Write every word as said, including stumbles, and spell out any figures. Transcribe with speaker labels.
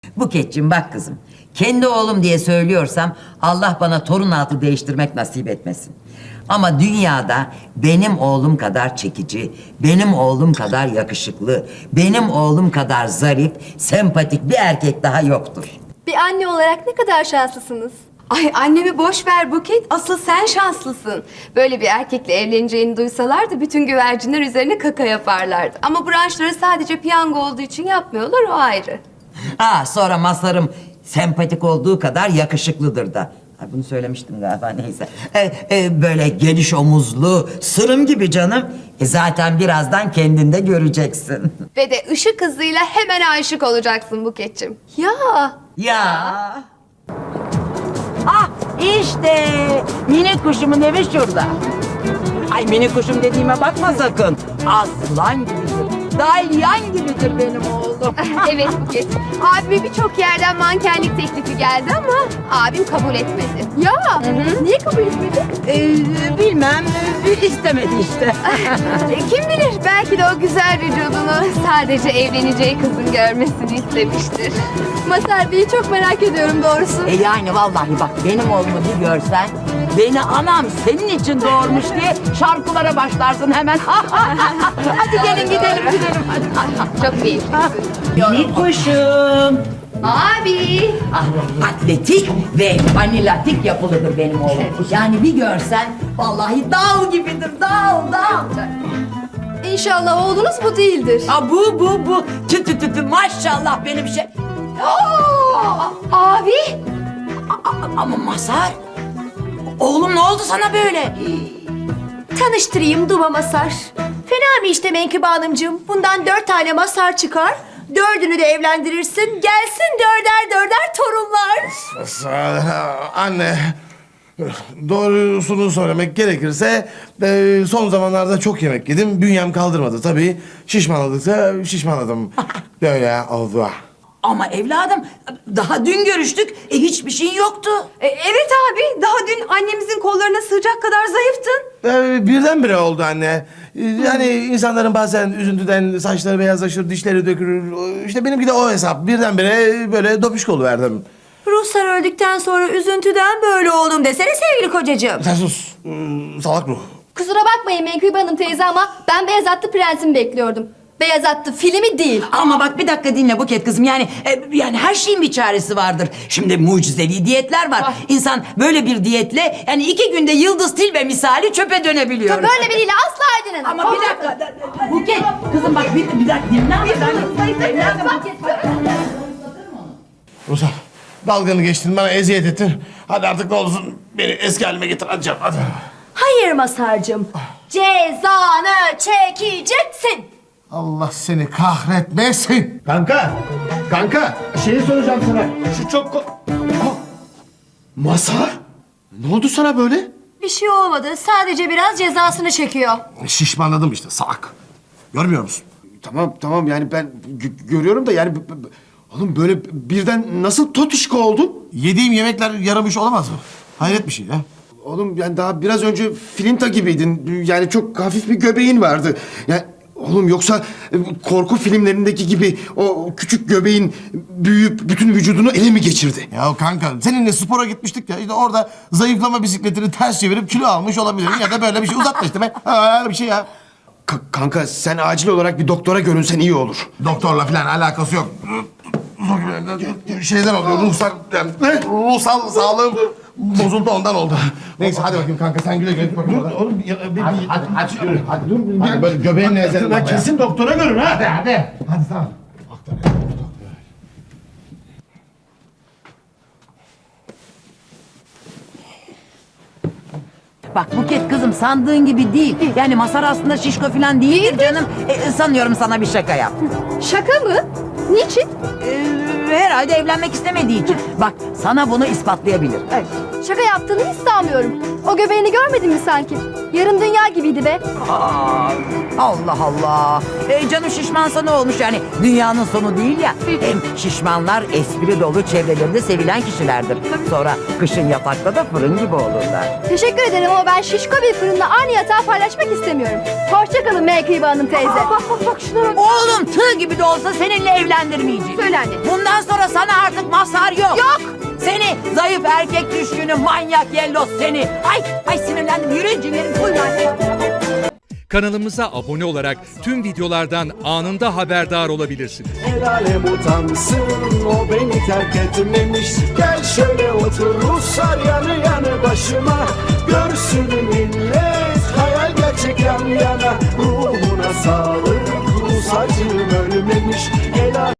Speaker 1: Buketciğim bak kızım. Kendi oğlum diye söylüyorsam Allah bana torun altı değiştirmek nasip etmesin. Ama dünyada benim oğlum kadar çekici, benim oğlum kadar yakışıklı, benim oğlum kadar zarif, sempatik bir erkek daha yoktur.
Speaker 2: Bir anne olarak ne kadar şanslısınız.
Speaker 3: Ay annemi boş ver Buket. Asıl sen şanslısın. Böyle bir erkekle evleneceğini duysalardı bütün güvercinler üzerine kaka yaparlardı. Ama branşları sadece piyango olduğu için yapmıyorlar, o ayrı.
Speaker 1: Ha sonra Mazhar'ım sempatik olduğu kadar yakışıklıdır da. Ha, bunu söylemiştim galiba neyse. E, e, böyle geniş omuzlu, sırım gibi canım. E, zaten birazdan kendinde göreceksin.
Speaker 3: Ve de ışık hızıyla hemen aşık olacaksın Buket'cim. Ya
Speaker 1: Ya. Ah işte minik kuşumun evi şurada. Ay minik kuşum dediğime bakma sakın. Aslan gibidir. Dalyan gibidir benim oğlum.
Speaker 3: evet Buket. Abime birçok yerden mankenlik teklifi geldi ama abim kabul etmedi.
Speaker 2: Ya niye kabul etmedi?
Speaker 1: Ee, bilmem e, istemedi işte.
Speaker 3: E, Kim bilir, belki de o güzel vücudunu sadece evleneceği kızın görmesini istemiştir.
Speaker 2: Mazhar Bey'i çok merak ediyorum doğrusu.
Speaker 1: E yani vallahi bak benim oğlumu bir görsen beni anam senin için doğurmuş diye şarkılara başlarsın hemen. Hadi gelin gidelim gidelim hadi.
Speaker 3: Çok iyi.
Speaker 1: Minik kuşum.
Speaker 3: Abi.
Speaker 1: Atletik ve vanilatik yapılıdır benim oğlum. Yani bir görsen vallahi dal gibidir dal dal.
Speaker 2: İnşallah oğlunuz bu değildir.
Speaker 1: Ha bu bu bu tü tü tü tü maşallah benim şey.
Speaker 3: Aa, abi.
Speaker 1: A- Ama Mazhar oğlum ne oldu sana böyle?
Speaker 2: Tanıştırayım Duba Mazhar. Fena mı işte Menkıbe Hanımcığım? Bundan dört tane Mazhar çıkar. Dördünü de evlendirirsin. Gelsin dörder dörder torunlar.
Speaker 4: Anne, doğrusunu söylemek gerekirse e, son zamanlarda çok yemek yedim. Bünyem kaldırmadı tabii. Şişmanladıkça şişmanladım. Böyle oldu.
Speaker 1: Ama evladım daha dün görüştük e, hiçbir şeyin yoktu.
Speaker 3: E, evet abi. Daha dün annemizin kollarına sığacak kadar zayıftın.
Speaker 4: E, birdenbire oldu anne. E, Yani insanların bazen üzüntüden saçları beyazlaşır, dişleri dökülür. İşte benimki de o hesap. Birdenbire böyle dopişko oluverdim.
Speaker 2: Ruhsar öldükten sonra üzüntüden böyle oldum desene sevgili kocacığım.
Speaker 4: Sen sus. e, Salak ruh.
Speaker 2: Kusura bakmayın Menkıbe Hanım teyze ama ben Beyaz Atlı Prens'imi bekliyordum. Beyaz Atlı filmi değil.
Speaker 1: Ama bak bir dakika dinle Buket kızım yani e, yani her şeyin bir çaresi vardır. Şimdi mucizevi diyetler var. İnsan böyle bir diyetle yani iki günde Yıldız Tilbe misali çöpe dönebiliyor.
Speaker 2: Böyle biriyle asla evlenemem.
Speaker 1: Ama bir dakika da- da- Buket kızım bak bir, bir dakika dinle ama ben...
Speaker 4: Rusal, dalganı geçtin, bana eziyet ettin. Hadi artık ne olursun beni eski halime getir. Hadi canım, hadi.
Speaker 2: Hayır Mazhar'cığım. Cezanı çekeceksin.
Speaker 4: Allah seni kahretmesin. Kanka, kanka, şeyi soracağım sana. Şu çok... ko- Aa, Mazhar, ne oldu sana böyle?
Speaker 2: Bir şey olmadı. Sadece biraz cezasını çekiyor.
Speaker 4: Şişmanladım işte, salak. Görmüyor musun?
Speaker 5: Tamam tamam yani ben gö- görüyorum da yani b- b- oğlum böyle birden nasıl totuşko oldun?
Speaker 4: Yediğim yemekler yaramış olamaz mı? Hayret bir şey ya.
Speaker 5: Oğlum yani daha biraz önce filinta gibiydin. Yani çok hafif bir göbeğin vardı. Yani oğlum yoksa e, korku filmlerindeki gibi o küçük göbeğin büyüyüp bütün vücudunu ele mi geçirdi?
Speaker 4: Ya kanka, seninle spora gitmiştik ya. İşte orada zayıflama bisikletini ters çevirip kilo almış olabilirim. Ya da böyle bir şey uzatma işte be. Ha, öyle bir şey ya.
Speaker 5: Ka- kanka sen acil olarak bir doktora görünsen iyi olur.
Speaker 4: Doktorla falan alakası yok. Şeyler oluyor, ruhsal, yani, ruhsal sağlığım bozuldu, ondan oldu. Neyse hadi bakayım kanka, sen güle güle git bakayım. Dur oğlum, hadi, hadi, hadi, yürü, hadi dur. Hadi böyle göbeğinle ezelim.
Speaker 5: Lan kesin doktora görün ha.
Speaker 4: Hadi, hadi. Hadi tamam.
Speaker 1: Bak Buket kızım sandığın gibi değil. Yani Mazhar aslında şişko falan değildir canım. E, sanıyorum sana bir şaka yaptı.
Speaker 2: Şaka mı? Niçin?
Speaker 1: E, herhalde evlenmek istemediği için. Bak sana bunu ispatlayabilir.
Speaker 2: Şaka yaptığını hiç sanmıyorum. O göbeğini görmedin mi sanki? Yarın dünya gibiydi be.
Speaker 1: Aa, Allah Allah. E, canım şişmansa ne olmuş yani? Dünyanın sonu değil ya. Hem şişmanlar espri dolu çevrelerinde sevilen kişilerdir. Sonra kışın yatakta da fırın gibi olurlar.
Speaker 2: Teşekkür ederim ama ben şişko bir fırınla aynı yatağı paylaşmak istemiyorum. Hoşçakalın Menkıbe Hanım teyze.
Speaker 3: Bak bak bak şuna bak.
Speaker 1: Oğlum tığ gibi de olsa seninle evlendirmeyeceğim.
Speaker 2: Söyle anne.
Speaker 1: Bundan sonra sana artık mazhar yok.
Speaker 2: Yok.
Speaker 1: Seni zayıf erkek düşkünü manyak yellos seni. Ay ay sinirlendim yürüyün cinlerim. Buyurun anne.
Speaker 6: Kanalımıza abone olarak tüm videolardan anında haberdar olabilirsiniz.
Speaker 7: El alem utansın, o beni terk etmemiş. Gel şöyle otur Ruslar yanı yanı başıma. Görsün millet hayal gerçek yan yana. Ruhuna sağlık, Rus acım ölmemiş. El alem-